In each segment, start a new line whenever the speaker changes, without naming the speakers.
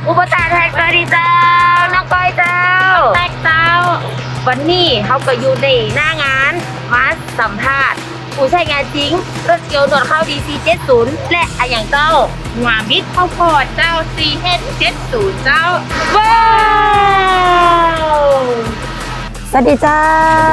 อุปตาแท็กสวัสดีเจ้าน้องก้อยเจ้าแท็กเจ้าวันนี้เขาก็อยู่ในหน้างานมาสัมภาษณ์ผู้ใช้งานจริงรถเกียวหนวดเข้า DC70 และอย่างเจ้า
หัวบิดข้าวโพดเจ้า CH70 เจ้า
ว้าวสวัสดีเจ้า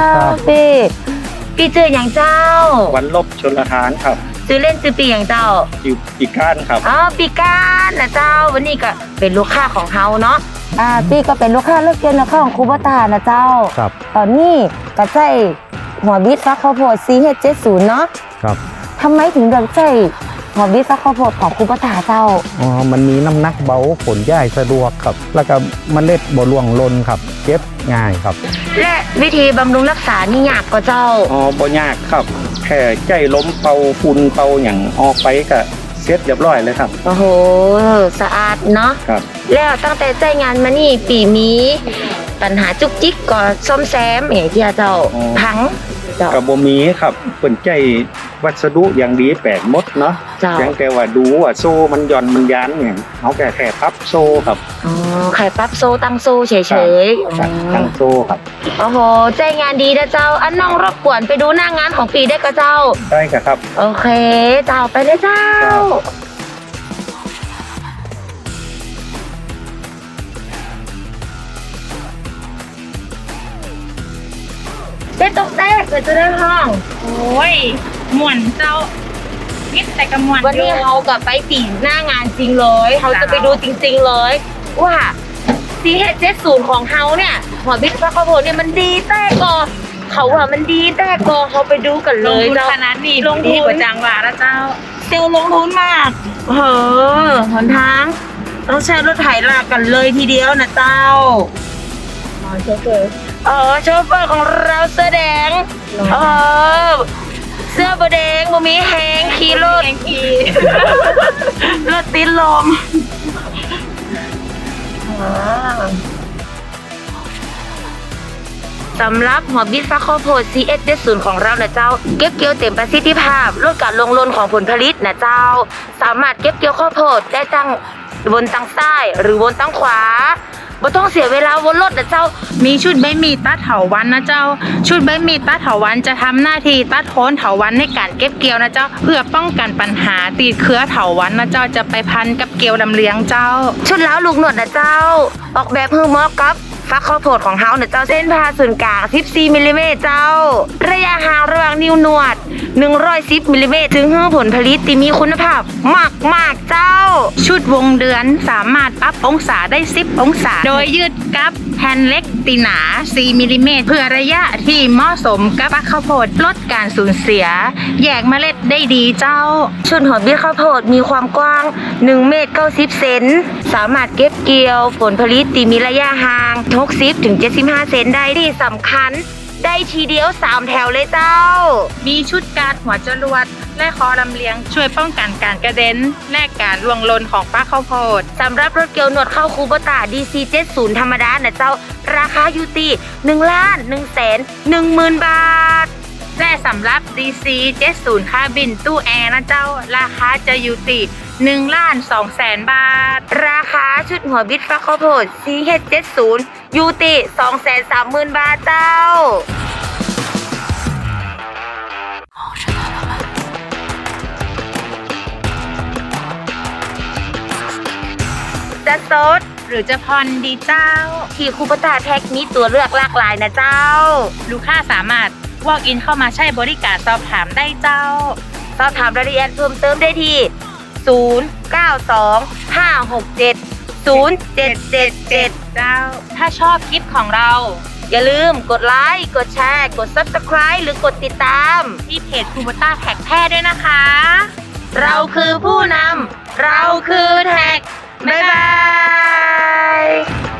ปีเจออย่างเจ้า
วันลบชลทานครับ
ซื้อเล่นซื้อปีอย่างเจ้า
อยู่ปีก้านครับ
ปีก้านนะเจ้าวันนี้ก็เป็นลูกค้าของเฮาเนาะพี่ก็เป็นลูกค้าเลือกเกณฑ์ลูกค้าของคูบตานะเจ้า
ครับ
ตอนนี้ก็ใช้หัวบิดฟักข้าวโพด CH70 เนาะ
ครับ
ทำไมถึงเลือกใช้หัวบิดฟักข้าวโพดของคูบตาเจ้า
มันมีน้ำหนักเบาผลย่ายสะดวกครับแล้วก็เมล็ดบ่ร่วงหล่นครับเก็บง่ายครับ
และวิธีบำรุงรักษานี่ยากกว่าเจ้า
บ่ยากครับแค่ใจล้มเป่าฝุ่นเป่าอย่างออกไปก็เสร็จเรียบร้อยเลยครับ
โอ้โหสะอาดเนาะ
ครับ
แล้วตั้งแต่ใจงานมานี่ปีมีปัญหาจุกจิกก็ซ่อมแซมอย่างที่เจ้าพัง
กับบ่มีครับเปิ่นใจวัสดุอย่างดีแปลกหมดเนาะเพียงแต่ว่าดูว่าโซ่มันหย่อนมันยันเนี่ยเอาแค่ปรับโซ่ครับ
แค่ปรับโซ่ตั้งโซ่เฉย
ๆตั้งโซ่ครับ
โอ้โหใจงานดีนะเจ้าอันน้องรบกวนไปดูหน้างานของปีได้ก็เจ้า
ได้ครับ
โอเคเจ้าไปเลยเจ้าได้ตกแตกเลยจะได้ห้อง
โอ้ยม่วนเจ้านิดแต่กระมวล
วันนี้เขากับไปปีหน้างานจริงเลยเขาจะไปดูจริงๆเลยว่า CH70 ของเขาเนี่ยหัวบิดฟักข้าวโพดเนี่ยมันดีแต่ก่อนเขาว่ามันดีแต่ก่อนเขาไปดูกันเลย
ลงทุนขนาดนี้ลงทุนกว่าจังหวะแล้วเจ้า
เซลลงทุนมากหนทางต้องใช้รถไถลากกันเลยทีเดียวนะเจ้าโชเฟอร์โชเฟอร์ของเราเสื้อแดงเสื้อบแดงบ่มีแหงขี่รถรถติดลมสำหรับหัวบิดฟักข้าวโพด CH70 ของเรานะเจ้าเก็บเกี่ยวเต็มประสิทธิภาพลดการลงหล่นของผลผลิตนะเจ้าสามารถเก็บเกี่ยวข้าวโพดได้ตั้งบนตั้งซ้ายหรือบนตั้งขวาบ่ต้องเสียเวลาวนรถนะเจ้า
มีชุดใบมีดตัดเถาวัลย์นะเจ้าชุดใบมีดตัดเถาวัลย์จะทำหน้าที่ตัดโคนเถาวัลย์ในการเก็บเกี่ยวนะเจ้าเพื่อป้องกันปัญหาตีเครือเถาวัลย์นะเจ้าจะไปพันกับเกลียวลำเลียงเจ้า
ชุดล้าวลูกหนวดนะเจ้าออกแบบเพื่อเหมาะกับฟักข้าวโพดของเฮาเนี่ยเจ้าเส้นผ่าศูนย์กลาง14มิลลิเมตรเจ้าระยะห่างระหว่างนิ้วหนวด110มิลลิเมตรถึงให้ผลผลิตที่มีคุณภาพมากเจ้า
ชุดวงเดือนสามารถปรับองศาได้10องศาโดยยืดกับแผ่นเล็กตีหนา4มิลลิเมตรเพื่อระยะที่เหมาะสมกับฟักข้าวโพดลดการสูญเสียแยกเมล็ดได้ดีเจ้า
ชุดหัวบิดข้าวโพดมีความกว้าง1เมตร90เซนสามารถเก็บเกี่ยวผลผลิตที่มีระยะห่าง60 ถึง 75 เซนได้ที่สำคัญได้ทีเดียว3แถวเลยเจ้า
มีชุดการหัวจรวดและคอลำเลียงช่วยป้องกันการกระเด็นและการล่วงหล่นของฟักข้าวโพด
สำหรับรถเกี่ยวหนวดเข้าคูโบต้า DC70 ธรรมดานะเจ้าราคาอยู่ที่1,110,000 บาท
และสำหรับ DC70 คาบินตู้แอร์นะเจ้าราคาจะอยู่ที่1,200,000 บาท
ราคาชุดหัวบิดฟักข้าวโพด CH70 อยู่ที่230,000 บาทเจ้าจะสด
หรือจะผ่อนดีเจ้า
ที่คูโบต้าแท็กมีตัวเลือกหลากหลายนะเจ้า
ลูกค้าสามารถwalk in เข้ามาใช้บริการสอบถามได้เจ้า
สอบถามรายละเอียดเพิ่มเติมได้ที่0925670777
เจ้าถ้าชอบคลิปของเรา
อย่าลืมกดไลค์กดแชร์กด Subscribe หรือกดติดตาม
ที่เพจคูโบต้าแท็กแพทย์ด้วยนะคะ
เราคือผู้นำเราคือแท็กบ๊ายบาย